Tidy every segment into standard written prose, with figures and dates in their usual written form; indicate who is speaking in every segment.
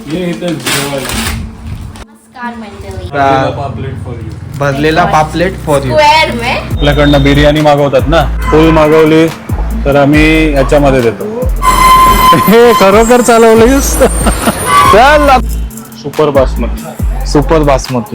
Speaker 1: भरलेला पापलेट for you.
Speaker 2: आपल्याकडनं बिर्याणी मागवतात ना, फुल मागवली तर आम्ही याच्यामध्ये देतो. हे खरोखर चालवलीस. चल. सुपर बासमती.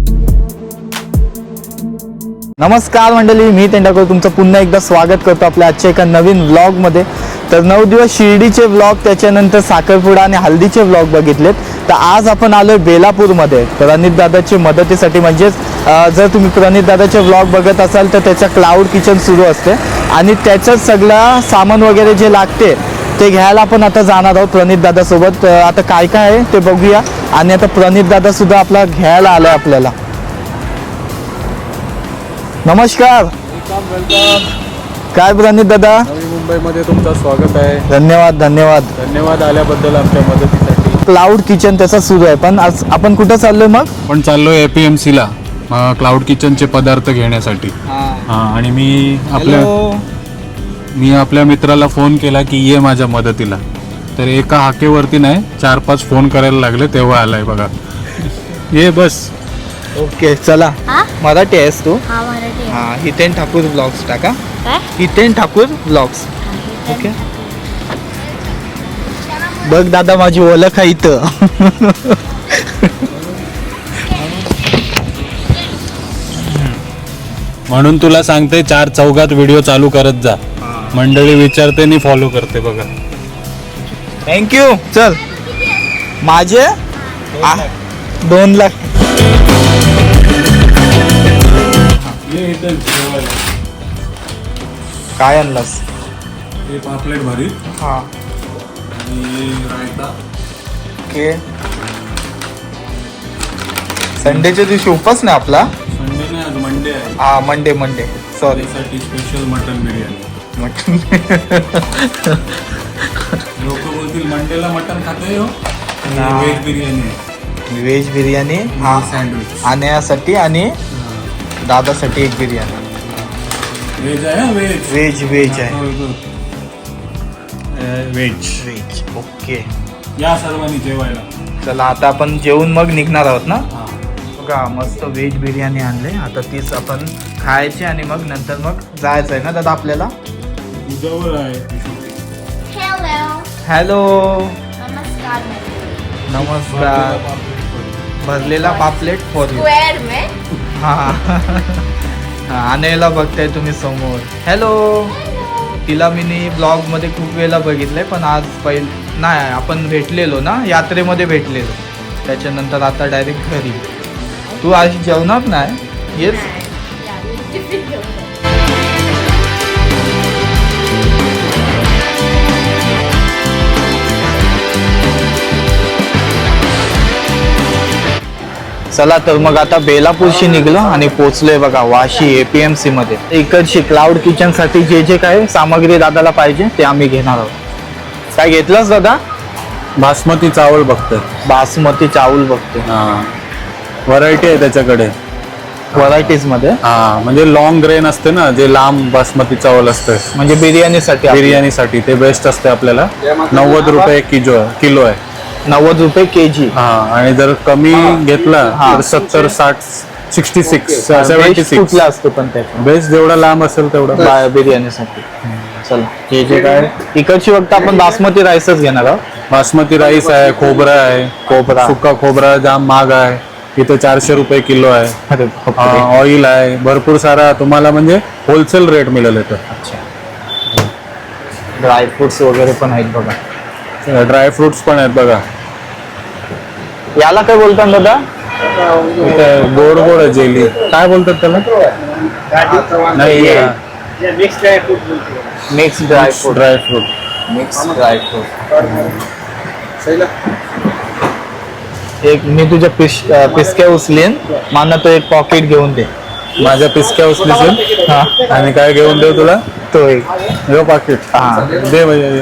Speaker 1: नमस्कार मंडळी, मी तेंडाकर तुमचं पुन्हा एकदा स्वागत करतो आपल्या आजच्या एका नवीन व्लॉगमध्ये. तर 9 दिवस शिर्डीचे व्लॉग, त्याच्यानंतर साखरपुडा आणि हल्दीचे व्लॉग बघितलेत. तर आज आपण आलोय बेलापूरमध्ये प्रणित दादाच्या मदतीसाठी. म्हणजेच जर तुम्ही प्रणित दादाचे व्लॉग बघत असाल तर त्याच्या क्लाउड किचन सुरू असते आणि त्याच्यात सगळं सामान वगैरे जे लागते ते घ्यायला आपण आता जाणार आहोत प्रणित दादासोबत. आता काय काय आहे ते बघूया. आणि आता प्रणित दादा सुद्धा आपला घ्यायला आलाय आपल्याला. नमस्कार.
Speaker 2: वेलकम.
Speaker 1: काय प्रणित दादा,
Speaker 2: नवी मुंबईमध्ये तुमचं स्वागत आहे.
Speaker 1: धन्यवाद
Speaker 2: आल्याबद्दल आमच्या मदतीसाठी.
Speaker 1: क्लाउड किचन त्याचा सुरू आहे. पण आज आपण कुठं चाललोय मग?
Speaker 2: पण चाललोय APMC ला क्लाउड किचनचे पदार्थ घेण्यासाठी. आणि मी आपल्या मित्राला फोन केला की ये माझ्या मदतीला. तर एका हाकेवरती नाही 4-5 फोन करायला लागले तेव्हा आलाय बघा. ये बस.
Speaker 1: ओके चला. मराठी आहेस तू?
Speaker 3: हा मराठी.
Speaker 1: हा, हितेन ठाकूर ब्लॉग्स टाका. हितेन ठाकूर ब्लॉग्स. ओके. बघ दादा, माझी ओळख आहे इथं.
Speaker 2: म्हणून तुला सांगते 4 चौघात व्हिडिओ चालू करत जा. मंडळी विचारते आणि फॉलो करते बघा.
Speaker 1: थँक्यू. चल. माझे 2 लाख. काय आणलास?
Speaker 2: हे पापलेट भरीत.
Speaker 1: हा.
Speaker 2: आणि रायता.
Speaker 1: ओके. संडेच्या दिवशी उपास नाही आपला.
Speaker 2: संडे नाही, आज मंडे आहे.
Speaker 1: हा, मंडे सॉरी.
Speaker 2: साठी स्पेशल मटन बिर्याणी. लोक बोलतील मंडेला मटन खाते हो. व्हेज बिर्याणी.
Speaker 1: व्हेज बिर्याणी. हा,
Speaker 2: सँडविच.
Speaker 1: आणण्यासाठी आणि दादासाठी एक बिर्याणी.
Speaker 2: व्हेज आहे.
Speaker 1: व्हेज आहे.
Speaker 2: व्हेज.
Speaker 1: ओके.
Speaker 2: या सर्वांनी जेवायला.
Speaker 1: चला, आता आपण जेवून मग निघणार आहोत ना. बघा, मस्त व्हेज बिर्याणी आणले. आता तीच आपण खायची आणि मग नंतर मग जायचं आहे ना दादा आपल्याला.
Speaker 2: तुझ्यावर आहे.
Speaker 1: हॅलो.
Speaker 3: नमस्कार.
Speaker 1: नमस्कार. भरलेला पापलेट फॉर यू. हा. आणायला बघताय तुम्ही समोर. हॅलो. तिला मी ब्लॉग मध्ये खूप वेळेला बघितलंय, पण आज नाही, आपण भेटलेलो ना, यात्रेमध्ये भेटलेलो. त्याच्यानंतर आता डायरेक्ट घरी. तू आज जेवणार नाही? येस. चला, तर मग आता बेलापूरशी निघलो आणि पोचलोय बघा वाशी APMC मध्ये. इकडची क्लाउड किचन साठी जे काय सामग्री दादाला पाहिजे ते आम्ही घेणार आहोत. काय घेतलंस दादा?
Speaker 2: बासमती चावल बघतोय.
Speaker 1: बासमती चावल बघतोय.
Speaker 2: व्हरायटी आहे त्याच्याकडे.
Speaker 1: व्हरायटीज मध्ये.
Speaker 2: म्हणजे लॉंग ग्रेन असते ना, जे लांब बासमती चावल असतं,
Speaker 1: म्हणजे बिर्याणीसाठी
Speaker 2: ते बेस्ट असते आपल्याला. 90 रुपये किलो आहे.
Speaker 1: 90 रुपये kg.
Speaker 2: आणि जर कमी घेतला तर 70, 60, 66, 76
Speaker 1: कुठला असतो पण त्याचा
Speaker 2: बेस्ट जेवढा लांब असेल तेवढा
Speaker 1: बिर्याणीसाठी. चला, हे जे काय इकडची फक्त आपण बासमती राईसच घेणार आहोत.
Speaker 2: बासमती राईस आहे, खोबरा आहे. सुका खोबरा जाम महाग आहे इथे. 400 रुपये किलो आहे. ऑइल आहे, भरपूर सारा तुम्हाला म्हणजे होलसेल रेट मिळेल इथं.
Speaker 1: अच्छा. ड्रायफ्रुट्स वगैरे पण आहेत बघा.
Speaker 2: ड्रायफ्रुट्स पण आहेत बघा.
Speaker 1: याला काय बोलतात दादा?
Speaker 2: गोड आहे जेली. काय बोलतात त्याला? नाही,
Speaker 1: मिक्स ड्रायफ्रूट. एक मी तुझ्या पिसक्या उचलेन. मला तो एक पॉकेट घेऊन दे.
Speaker 2: माझ्या पिसक्या उचलीच. आणि काय घेऊन देऊ तुला?
Speaker 1: तो एक
Speaker 2: पाकिट. दे म्हणजे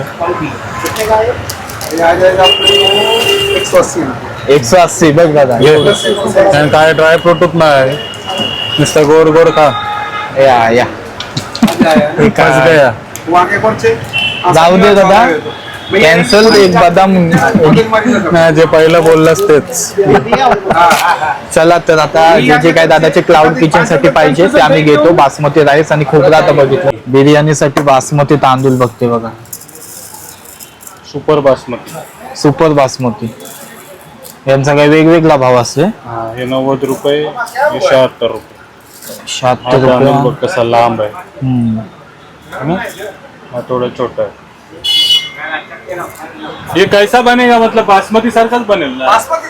Speaker 1: 180 बघ दादा.
Speaker 2: काय ड्रायफ्रूट नाही, नुसतं गोड खा.
Speaker 1: या
Speaker 2: जाऊ
Speaker 1: दे दादा. कॅन्सल एक बदाम.
Speaker 2: नाही, जे पहिलं बोललास तेच.
Speaker 1: चला तर आता जे जे काय दादाचे क्लाउड किचन साठी पाहिजे ते आम्ही घेतो. बासमती राईस आणि खोबरा आता बघितलं. बिर्याणीसाठी बासमती तांदूळ बघते बघा,
Speaker 2: सुपर बासमती.
Speaker 1: सुपर बासमती. यांचा काही वेगवेगळा भाव असतो.
Speaker 2: हे 90 रुपये, हे 76 रुपये.
Speaker 1: 76
Speaker 2: तांदूळ
Speaker 1: रुपये.
Speaker 2: बघ कसा लांब आहे
Speaker 1: हम्म.
Speaker 2: है ना? हा थोड़ा छोटा है. ये कैसा बनेगा, मतलब बासमती सारखाच बनेल ना?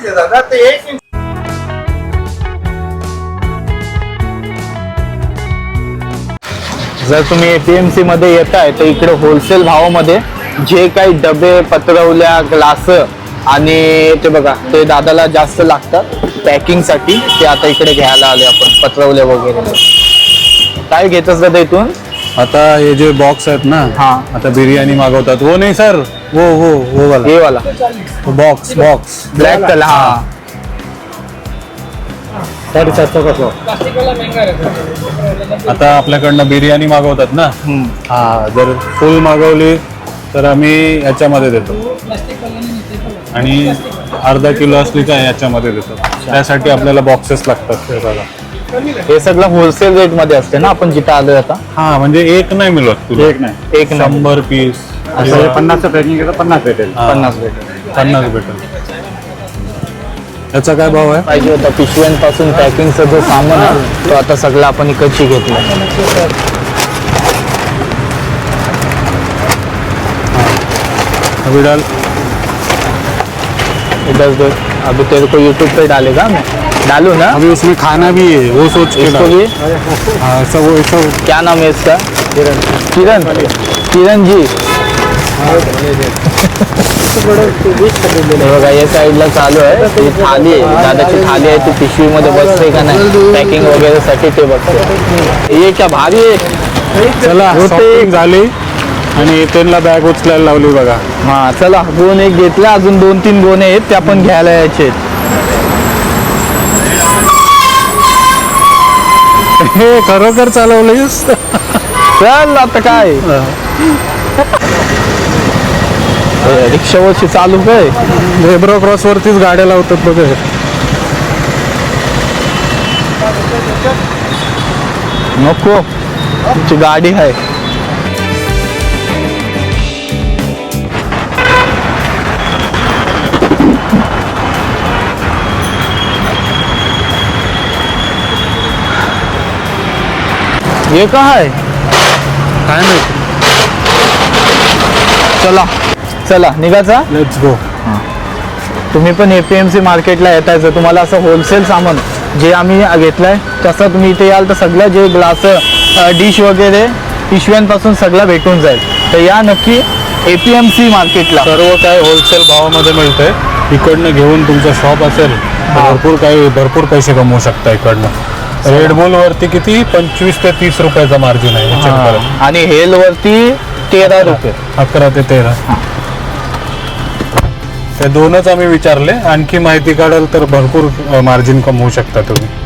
Speaker 1: जर तुम्ही एपीएमसी मध्ये येताय तर इकडे होलसेल भावामध्ये जे काही डबे, पत्रवल्या, ग्लास आणि ते बघा ते दादाला जास्त लागतात पॅकिंग साठी, ते आता इकडे घ्यायला आले आपण पत्रवल्या वगैरे. काय घेतच दादा इथून?
Speaker 2: आता हे जे बॉक्स आहेत ना,
Speaker 1: हा.
Speaker 2: आता बिर्याणी मागवतात. वो नाही सर, वो वाला,
Speaker 1: हे वाला
Speaker 2: बॉक्स
Speaker 1: ब्लॅक कलर. हा
Speaker 2: 750 आता आपल्याकडनं बिर्याणी मागवतात ना, हा जर फुल मागवली तर आम्ही याच्यामध्ये देतो, आणि अर्धा किलो असली तर याच्यामध्ये देतो. त्यासाठी आपल्याला बॉक्सेस लागतात. हे बघा,
Speaker 1: हे सगळं होलसेल रेट मध्ये असते ना, आपण जिथं आलोय आता.
Speaker 2: हा म्हणजे एक नाही मिळत तुला,
Speaker 1: एक नाही.
Speaker 2: 100 पीस.
Speaker 3: 50चं पॅकिंग घेतो 50 भेटेल.
Speaker 1: 50 भेटेल.
Speaker 2: 50 भेटेल. याचा काय भाव आहे?
Speaker 1: पाहिजे होता पिशव्यांपासून पॅकिंगचा जो सामान आहे तो आता सगळं आपण इकडची घेतलं.
Speaker 2: अभी डाल.
Speaker 1: अभी तेरे को यूट्यूब पे डालेगा, मैं डालू ना?
Speaker 2: अभी उसमें खाना भी है, वो सोच के
Speaker 1: इसको
Speaker 2: डाल.
Speaker 1: भी
Speaker 2: हाँ, सब वो सब.
Speaker 1: क्या नाम है इसका? किरण जी. हे बघा या साईडला चालू आहे. ही थाली आहे, दादाची थाली आहे, ती पिशवीमध्ये बसते का नाही पॅकिंग वगैरे साठी ते बघते. हे क्या भारी आहे.
Speaker 2: चला शॉपिंग झाली आणि त्यांना बॅग उचलायला लावली बघा.
Speaker 1: हा चला, गोन एक घेतला, अजून 2-3 गोणे आहेत ते आपण घ्यायला यायचे.
Speaker 2: हे खरोखर चालवलंयस.
Speaker 1: चल आता काय रिक्षावरची चालू काय.
Speaker 2: झेब्रा क्रॉस वरतीच गाड्या लावतात बघ.
Speaker 1: नको, तुमची गाडी आहे. हे काय
Speaker 2: काय नाही.
Speaker 1: चला चला निघायचा.
Speaker 2: Let's go.
Speaker 1: तुम्ही पण एपीएमसी मार्केटला येताय, जर तुम्हाला असं होलसेल सामान जे आम्ही घेतलंय तसं तुम्ही इथे याल तर सगळं जे ग्लास, डिश वगैरे पिशव्यांपासून सगळं भेटून जाईल. तर या नक्की एपीएमसी मार्केटला.
Speaker 2: सर्व काय होलसेल भावामध्ये मिळतंय. इकडनं घेऊन तुमचं शॉप असेल तर भरपूर पैसे कमवू शकता इकडनं. रेड बुल वरती किती 25 ते 30 रुपयाचा मार्जिन आहे. check करा.
Speaker 1: आणि हेल वरती 13 रुपये.
Speaker 2: 11 ते 13. ते दोनच आम्ही विचारले. आणखी माहिती काढाल तर भरपूर मार्जिन कमवू शकता तुम्ही.